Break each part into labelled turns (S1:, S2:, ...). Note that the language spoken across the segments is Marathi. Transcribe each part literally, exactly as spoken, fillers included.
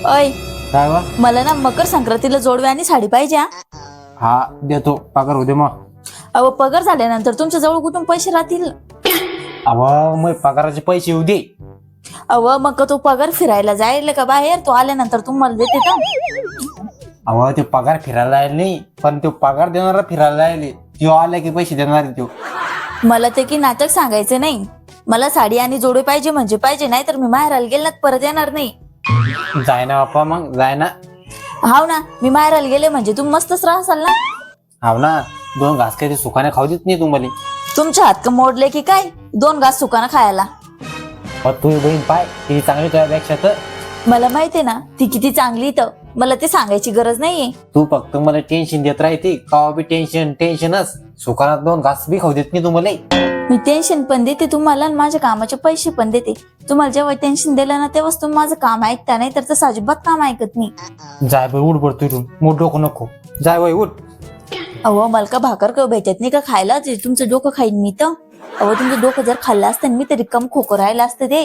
S1: अय
S2: काय वा?
S1: मला ना मकर संक्रांतीला जोडवे आणि साडी पाहिजे. हा
S2: हा देतो, पगार होते मग.
S1: अहो पगार झाल्यानंतर तुमच्या जवळ कुठून पैसे राहतील?
S2: अव मग पगाराचे पैसे येऊ दे.
S1: अव मग तो पगार फिरायला जायला का बाहेर, तो आल्यानंतर तुम्हाला देते का?
S2: अव ते पगार फिरायला यायला नाही, पण तो पगार देणारा फिरायला यायले. तो आला की पैसे देणार तो.
S1: मला ते की नाटक सांगायचं नाही. मला साडी आणि जोडवे पाहिजे म्हणजे पाहिजे, नाही तर मी माहेराला गेले ना परत येणार नाही.
S2: जाय ना बाप्पा, मग जाय ना.
S1: हाव ना, मी माहेराला गेले म्हणजे तुम्ही मस्तच राहसाल ना.
S2: हाव ना, दोन घास काही सुखाने खाऊ देत नाही तुम्हाला.
S1: तुमच्या हात का मोडले की काय दोन घास सुकानं खायला?
S2: तू बहीण पाय ती चांगली तुझ्यापेक्षा. तर
S1: मला माहितीये ना ती किती चांगली, तर मला ते सांगायची गरज नाहीये.
S2: तू फक्त मला टेन्शन देत राहते, का बी टेन्शन टेन्शनच. सुखानात दोन घास बी खाऊ देत नाही तुम्हाला.
S1: मी टेन्शन पण देते तुम्हाला आणि माझ्या कामाचे पैसे पण देते. तुम्हाला जेव्हा टेन्शन दिलं ना तेव्हाच तुम्ही माझं काम ऐकता, नाही तर तसं अजिबात काम ऐकत नाही.
S2: जाय बाई, उठ पडतो इथून. मोठ डोकं नको. जाय बाई उठ.
S1: अहो मला का भाकर का भेटत नाही का खायला? ते तुमचं डोकं खाईन मी तर. अहो तुमचं डोकं जर खाल्लं असतं मी तरी कम खोकं राहिलं असतं ते.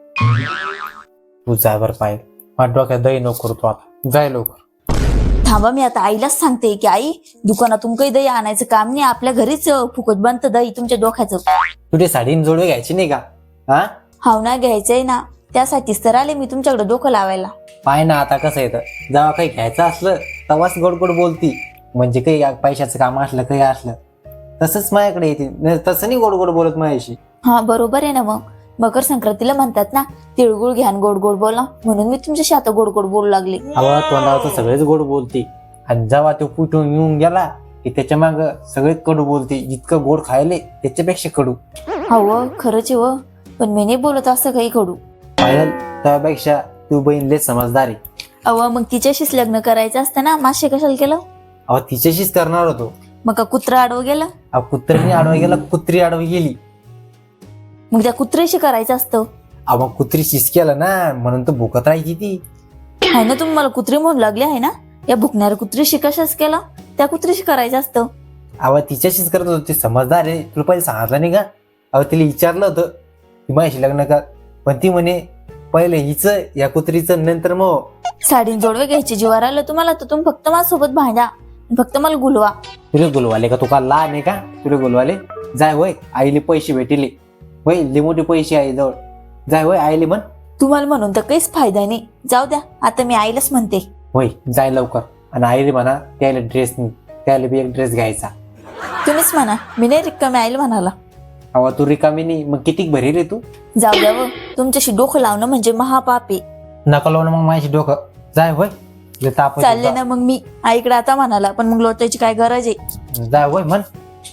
S2: तू जाय बर पाय, माझ्या डोक्यात दही नको करतो आता. जाय लवकर.
S1: थांबा, मी आता आईलाच सांगते की आई दुकानातून काही दही आणायचं काम नाही, आपल्या घरीच फुकट बनतं दही तुमच्या डोक्याचं.
S2: तुझे साडीन जोडवे घ्यायची नाही का? हा
S1: हाव ना, घ्यायचंय ना, त्यासाठीच तर आले मी तुमच्याकडे डोकं लावायला.
S2: पाय ना आता कसं येतं, जेव्हा काही घ्यायचं असलं तेव्हाच गोड गोड बोलती. म्हणजे काही पैशाचं काम असलं काही असलं तसंच माझ्याकडे येते, तसं नाही गोड गोड बोलत माझ्याशी.
S1: हा बरोबर आहे ना. मग मकर संक्रांतीला म्हणतात ना तिळगुळ घ्या आणि गोड गोड बोला, म्हणून मी तुमच्याशी आता गोड गोड बोलू लागले.
S2: अहो तोंडावर तर सगळेच गोड बोलते, आणि जेव्हा तो कुठून येऊन गेला की त्याच्या माग सगळेच कडू बोलते. जितकं गोड खायले त्याच्यापेक्षा कडू.
S1: हो खरंच आहे व, पण मी नाही बोलत असं काही कडू.
S2: पायल, त्यापेक्षा तू बहीण लय समजदार आहे.
S1: अव मग तिच्याशीच लग्न करायचं असतं ना, मासे कशाला केलं?
S2: अहो तिच्याशीच करणार होतो.
S1: मग का कुत्रा आडवं गेलं?
S2: अहो कुत्र्याने आडवा गेला, कुत्री आडवी गेली.
S1: मग त्या कुत्र्याशी करायचं असतं.
S2: अहो मग कुत्री शिस केलं ना, म्हणून तर भुकत राहायची ती.
S1: आहे ना, तुम्ही मला कुत्री म्हणू लागले आहे ना. या भुकणाऱ्या कुत्रीशी कशाच केलं? त्या कुत्रीशी करायचं असतं.
S2: अहो तिच्याशीच करत होती, समजदार आहे. तुला पहिले सांगितलं नाही का? अहो तिला विचारलं होतं की माझ्याशी लग्न कर, पण ती म्हणे पहिले हिचं या कुत्रीचं, नंतर मग.
S1: साडीन जोडवे घ्यायचे जीवावर आलं तुम्हाला तर तुम्ही फक्त माझ्यासोबत भांडा, फक्त मला गुलवा.
S2: तुला गुलवाले का? तू का लहान आहे का तुला गुलवाले? जाय होय, आईले पैसे भेटले होय, लय मोठे पैसे आहे जवळ. जाय होय आईले म्हण.
S1: तुम्हाला म्हणून तर काहीच फायदा नाही, जाऊ द्या. आता मी आईलाच म्हणते.
S2: होय जाय लवकर, आणि आईले म्हणा त्याला ड्रेस नाही, त्याला बी एक ड्रेस घ्यायचा.
S1: तुम्हीच म्हणा, मी नाही रिकामी आईला म्हणाला.
S2: अहो तू रिकामी नाही, मग किती भरी रे तू.
S1: जाऊ द्या व, तुमच्याशी डोकं लावणं म्हणजे महापाप आहे.
S2: नका लावून मग माझ्याशी डोकं. जाय होय, लय ताप येतो.
S1: चालले ना मग मी आईकडे आता म्हणाला, पण मग लोटायची काय गरज आहे?
S2: जाय होय म्हण.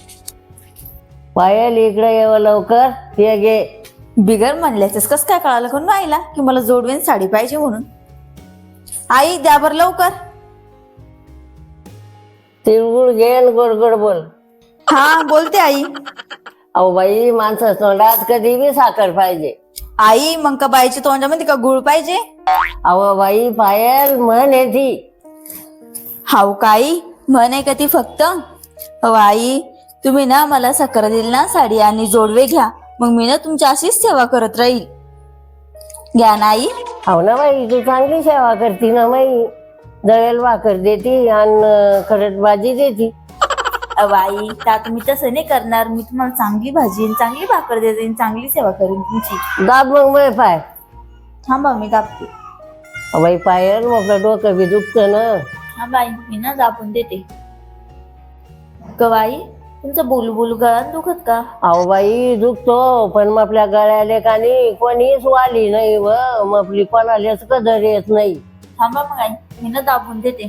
S3: पायल इकडे येव लवकर, ये गे.
S1: बिगर म्हणल्याच कस काय कळालं कोण आईला की मला जोडवेन साडी पाहिजे म्हणून? आई द्या बर लवकर.
S3: तिळगुळ घे आणि गोड गोड बोल.
S1: हा बोलते आई.
S3: अहो बाई, माणसं तोंडात कधी बी साखर पाहिजे.
S1: आई मग का बाईच्या तोंडामध्ये का गुळ पाहिजे?
S3: अहो बाई, पायल म्हण आहे ती.
S1: हाव काही म्हण आहे का ती फक्त? अहो आई, तुम्ही ना मला साखर दिली ना, साडी आणि जोडवे घ्या, मग मी ना तुमची अशीच सेवा करत राहील. घ्या ना आई.
S3: हो ना बाई, तू चांगली सेवा करती ना बाई. जळेल भाकर देती आणि खरट भाजी देती.
S1: अहो आई, आता तुम्ही तसं नाही करणार. मी तुम्हाला चांगली भाजी चांगली भाकर देते, चांगली सेवा करेन तुमची.
S3: दाब मग बाई पाय.
S1: थांबा मी दाबते.
S3: अहो बाई पायल, आपलं डोकं बी दुखतं ना.
S1: हा बाई, मी ना दाबून देते. गवाई, तुमचं बोलू बोलू गळ्यात दुखत का?
S3: अहो बाई दुखतो, पण मग आपल्या गळ्याले का नाही कोणीच वाली नाही व, मग आपली कोणालाच कदर येत नाही.
S1: थांबा मग आई, मी ना दाबून देते.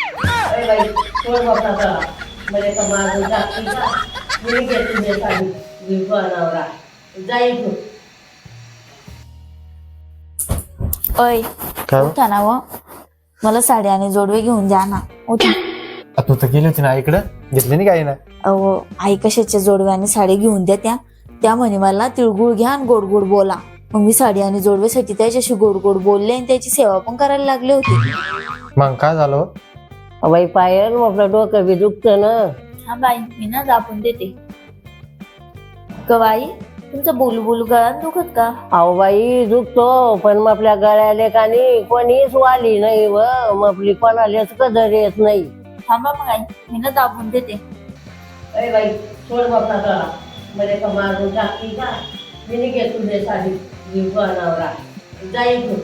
S1: अय उठा ना व, मला साडी आणि जोडवे घेऊन द्या ना. उठा.
S2: तू तर गेली होती ना इकडं, घेतली नाही काही ना.
S1: अहो आई कशाच्या जोडवे आणि साडी घेऊन द्या त्या त्या म्हणे मला तिळगुळ घ्या आणि गोड गोड बोला. मग मी साडी आणि जोडवेसाठी त्याच्याशी गोड गोड बोलले आणि त्याची सेवा पण करायला लागले होते.
S2: मग काय झालं?
S3: बाई पायल, आपलं डोकं बी दुखतं ना.
S1: हा बाई, मी ना दाबून देते. गवाई, तुमचं बोलू बोलू गळ्यात दुखत का?
S3: अहो बाई दुखतो, पण मग आपल्या गळ्याले कानी कोणीच वाली नाही व मग आपली कोणालाच कदर येत नाही.
S1: थांबा मग आई, मी ना दाबून देते.
S3: अरे बाई सोड बापा गळा, मध्ये का मारून टाकली का? मी घे तुझे साडी जीव नवरा जाईल तू.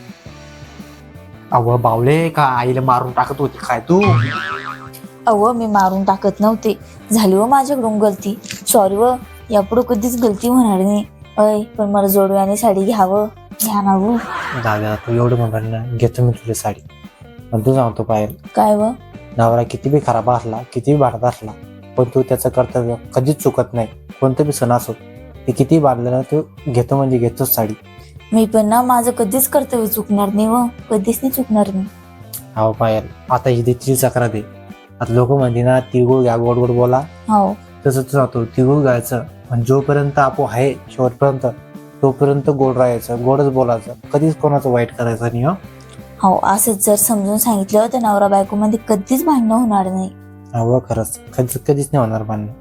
S2: अव बावले का आईला मारून टाकत होती काय तू?
S1: अव मी मारून टाकत नव्हते, झाली व माझ्याकडून गलती. सॉरी व, यापुढे कधीच गलती होणार नाही. अय पण मला जोडव्याने साडी घ्यावं, घ्या ना व.
S2: दादा तू एवढं म्हणाल ना, घेतो मी तुझी साडी. पण तू सांगतो पायल,
S1: काय व?
S2: नवरा किती बी खराब असला, किती बी भांडत असला, पण तू त्याचं कर्तव्य कधीच चुकत नाही. कोणतं बी सण असो, ते किती बांधलं ना, तू घेतो म्हणजे घेतोच साडी.
S1: मी पण ना माझं कधीच कर्तव्य चुकणार नाही व, कधीच नाही चुकणार मी.
S2: हो पायल, आता ही तिची चक्र दे. आता लोक म्हणते ना, तिळगुळ घ्या गोड गोड बोला,
S1: हो
S2: तसं तू सांगतो तिळगुळ घ्यायचं. पण जोपर्यंत आपो आहे शेवटपर्यंत, तोपर्यंत गोड राहायचं, गोडच बोलायचं, कधीच कोणाचं वाईट करायचं नाही. हो
S1: हो असंच जर समजून सांगितलं तर नवरा बायको मध्ये कधीच भांडणं होणार नाही.
S2: हो खरंच, कधीच कधीच नाही होणार भांडण.